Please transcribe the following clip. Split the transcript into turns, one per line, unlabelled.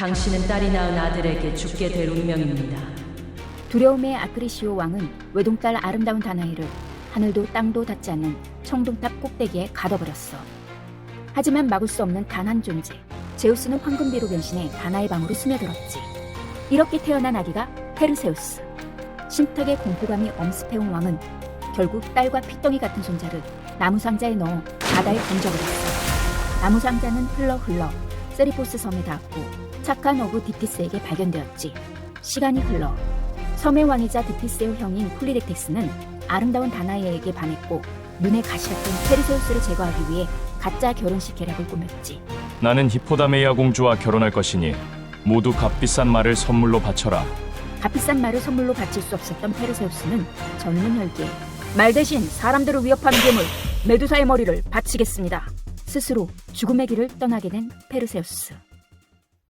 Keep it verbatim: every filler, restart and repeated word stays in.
당신은 딸이 낳은 아들에게 죽게 될 운명입니다.
두려움의 아크리시오 왕은 외동딸 아름다운 다나이를 하늘도 땅도 닿지 않는 청동탑 꼭대기에 가둬버렸어. 하지만 막을 수 없는 단 한 존재, 제우스는 황금비로 변신해 다나의 방으로 스며들었지. 이렇게 태어난 아기가 페르세우스. 신탁의 공포감이 엄습해온 왕은 결국 딸과 피덩이 같은 손자를 나무상자에 넣어 바다에 던져버렸어. 나무상자는 흘러 흘러 세리포스 섬에 닿았고 착한 어부 디티스에게 발견되었지. 시간이 흘러 섬의 왕이자 디티스의 형인 폴리렉테스는 아름다운 다나이에게 반했고 눈에 가시가 뜬 페르세우스를 제거하기 위해 가짜 결혼식 계략을 꾸몄지.
나는 히포다메이아 공주와 결혼할 것이니 모두 값비싼 말을 선물로 바쳐라.
값비싼 말을 선물로 바칠 수 없었던 페르세우스는 젊은 혈기에 말 대신 사람들을 위협하는 괴물 메두사의 머리를 바치겠습니다. 스스로 죽음의 길을 떠나게 된 페르세우스.